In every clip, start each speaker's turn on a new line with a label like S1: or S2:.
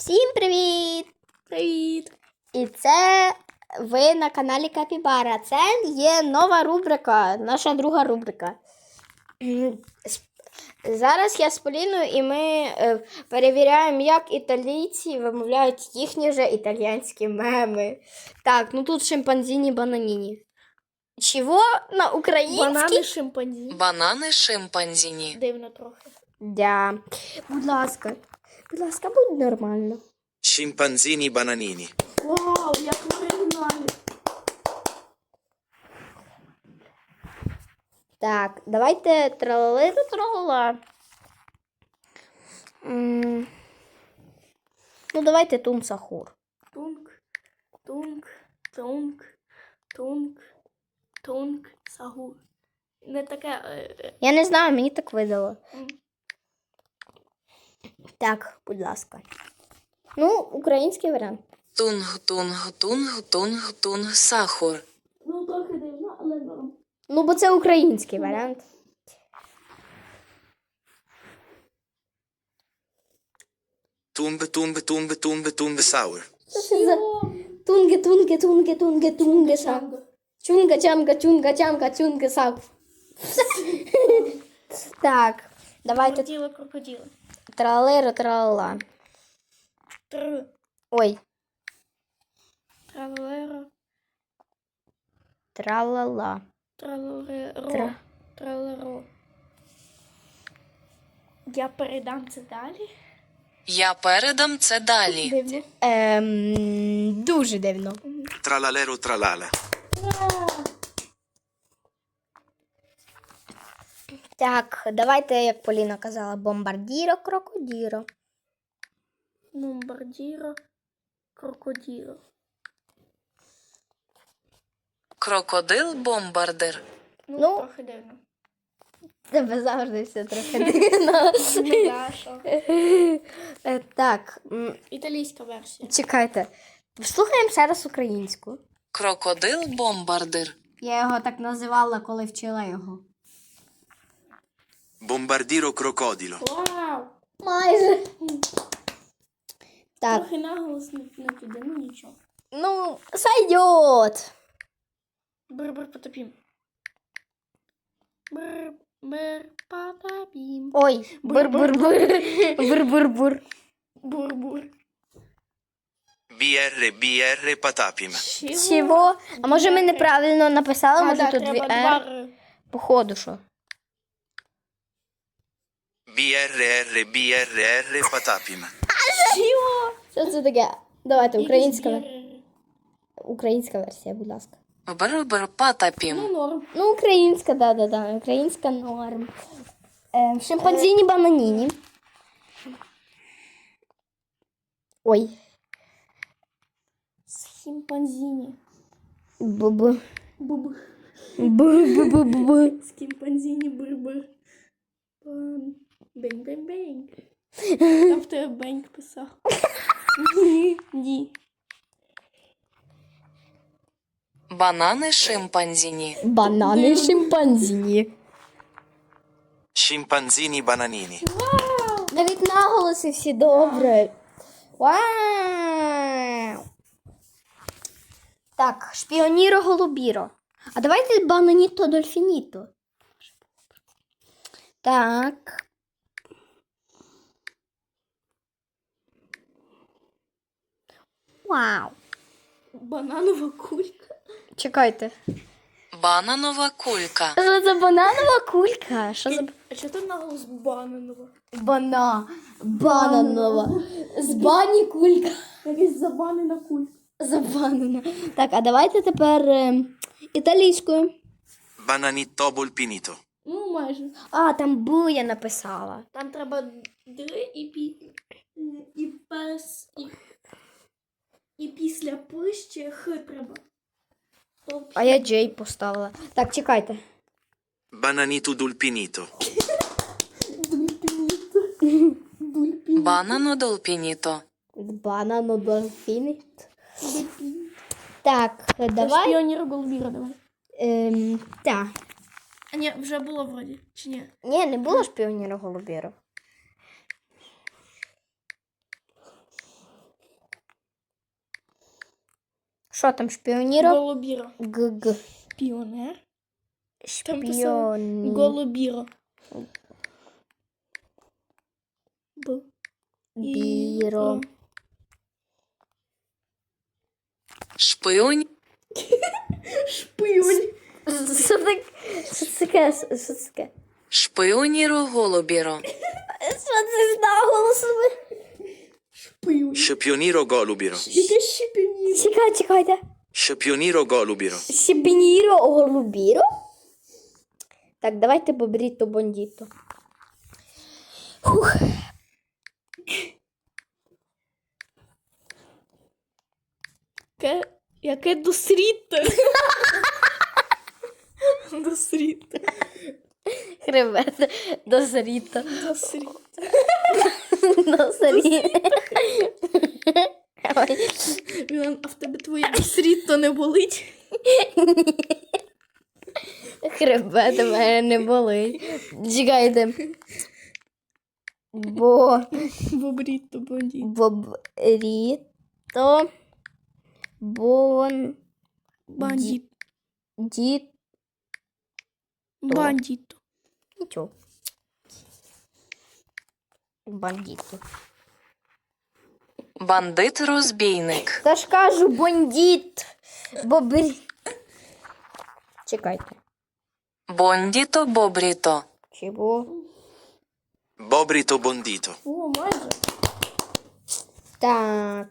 S1: Всім привіт!
S2: Привіт!
S1: І це ви на каналі Капібара. Це є нова рубрика, наша друга рубрика. Зараз я з Поліною і ми перевіряємо, як італійці вимовляють їхні же італійські меми. Так, ну тут шимпанзіні бананіні. Чого на українській?
S2: Банани шимпанзі.
S3: Банани шимпанзіні.
S2: Дивно трохи.
S1: Да. Будь ласка, будь нормально.
S4: Scimpanzini bananini.
S2: Вау, як в оригіналі.
S1: Так, давайте тралалиру-тралала. Ну, давайте тум-сахур.
S2: Тунк, тунк, тунк, тунк, тунк, сагур. Не таке.
S1: Я не знаю, мені так видало. Так, будь ласка. Ну, український варіант.
S3: Тунг, тунг, тунг, тунг, тунг, сахур.
S2: Ну, трохи дивно, але норм.
S1: Ну, бо це український варіант.
S4: Tumbe, tumbe, tumbe, tumbe, tumbe sour.
S1: Що це за тунге, са. Чунга, чунга, са. Так, давайте
S2: Крокодили, крокодили.
S1: тралалиру-тралала.
S2: Тр.
S1: Ой,
S2: Тралеро.
S1: тралала.
S2: Тралеро. Тралеро. Я передам це далі.
S3: Я передам це далі.
S2: Дивно.
S1: Дуже дивно.
S4: Tralalero tralala.
S1: Так, давайте, як Поліна казала, бомбардіро, крокодіро.
S2: Бомбардіро. Крокоділо.
S3: Крокодил-бомбардир.
S1: Ну.
S2: Трохи дивно.
S1: Тебе завжди все трохи дивно.
S2: Ну, да, що?
S1: Так,
S2: Італійська версія.
S1: чекайте. Слухаємо ще раз українську.
S3: Крокодил-бомбардир.
S1: Я його так називала, коли вчила його.
S4: Bombardiro crocodilo.
S2: Вау!
S1: Майже. Так,
S2: Трохи наголос не піде, ну нічого.
S1: ну, сойдет.
S2: Бр-бр потопім. Бр-бр потопім.
S1: Ой, бур-бур-бур. Бур-бур-бур.
S2: Бур-бур.
S4: BR patapim.
S1: Чого? А може ми неправильно написали?
S2: А,
S1: Може
S2: да,
S1: тут дві
S2: треба
S1: «р»?
S2: два «р».
S1: Походу, що?
S4: BR patapim.
S1: Що це таке? Давайте, українська,
S2: Якісь
S1: українська версія, будь ласка.
S3: Бр-бр
S2: Ну,
S3: потопім.
S2: норм.
S1: Ну, українська, да. Українська норм. Шимпанзіні бананіні. Ой.
S2: Шимпанзіні.
S1: Бу-бу.
S2: Буб.
S1: Бу-бу-бу-бу.
S2: Скімпанзіні бр-бр. Бень-бень-бень. Там в тебе беньк писав. Ні.
S3: Банани шимпанзіні.
S1: Банани шимпанзіні.
S4: Scimpanzini bananini.
S1: Навіть наголоси всі добре. Вау! Так, шпіоніро голубіро. А давайте бананіто дольфініто. Так. Вау.
S2: Бананова кулька.
S1: Чекайте.
S3: Бананова кулька.
S1: Що за бананова кулька? Що за
S2: А чого там наголос бананова?
S1: бананова? З бані кулька.
S2: Якась забанена кулька.
S1: Забанена. Так, а давайте тепер італійською.
S4: Bananito bulpinito.
S2: Ну, майже.
S1: А, там бу я написала.
S2: Там треба дри і і пес, і після пи ще х треба. Тобто
S1: А я Джей поставила. Так, чекайте.
S4: Bananito dulpinito.
S3: Банано-долпініто.
S1: Банано дольфіни. Так, давай.
S2: Шпіонір голубіра, давай.
S1: Так.
S2: А ні, вже було вроді, чи ні?
S1: Ні, не було шпіоніра голубіро. Що там, шпіоніро?
S2: Голубіро.
S1: Г-г.
S2: Піонер. Там писав
S1: Шпіоні.
S2: голубіро. Б.
S1: Біро.
S3: Шпион.
S2: Шпион.
S1: Що таке? Що це таке? Що це таке?
S3: Шпионіро голубіро.
S1: Що це за голосове?
S2: Шпион.
S4: Шпіоніро голубіро.
S2: Яке шипіння.
S1: Чекайте.
S4: Шпіоніро голубіро.
S1: Шипініро голубіро? Так, давайте бобріто бондіто. Фух.
S2: Яке досріте. Досріте.
S1: Хребет. Дозріто.
S2: Досріте.
S1: Дозріто. Ой.
S2: Мілан, а в тебе твоє досріто не болить?
S1: Хребет у мене не болить. Чекайте.
S2: Бобріто, бандіт.
S1: Бобріто. Бон.
S2: Бандіт.
S1: Діт.
S2: Бандіто.
S1: Нічого. Бандіто.
S3: Бандит-розбійник.
S1: Та ж кажу, бандіт. Бобрі. Чекайте.
S3: Бондіто бобріто.
S1: Чого?
S4: Бобріто бондіто.
S2: О, майже.
S1: Так.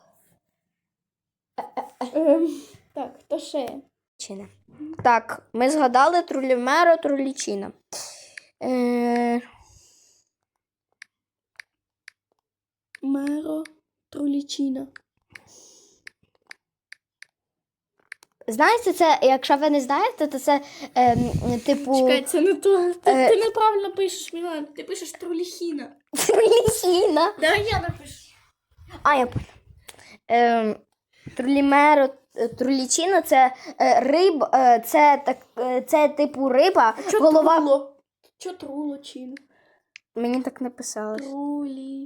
S2: Так, хто ще?
S1: Чина. Так, ми згадали Трулімеро, Трулічина.
S2: Меро Трулічіна.
S1: Знаєте, це, якщо ви не знаєте, то це типу
S2: Чекай, це не то. Ти неправильно пишеш, Мілан. Ти пишеш Труліхіна.
S1: Трулічина.
S2: Давай я напишу.
S1: А, я поняла. Трулімеро, Трулічина це риб, це типу риба, голова.
S2: Труло? Чо Трулочіна?
S1: Мені так написалось.
S2: Трулі.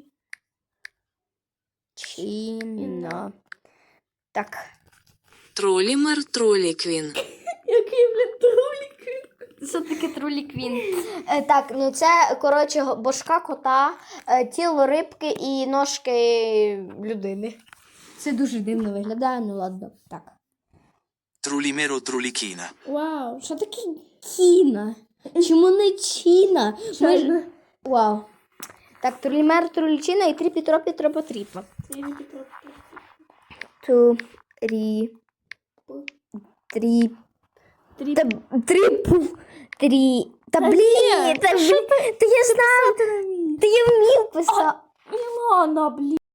S1: Чіна. Так.
S3: Трулімер Труліквін.
S2: Який, блін, Трулік?
S1: Що таке труліквін? Так, ну це, коротше, башка кота, тіло рибки і ножки людини. Це дуже дивно виглядає, ну ладно. Так.
S4: Трулімеро трулікіна.
S2: Вау.
S1: Що таке кіна? Чому не чіна?
S2: Чайна.
S1: Вау. Так, трулімер, трулічина і три Петро, Петро, Потріпа.
S2: Це не Петро.
S1: Три. Та блін, та я знаю, та я вмів писати.
S2: Мілана, блін.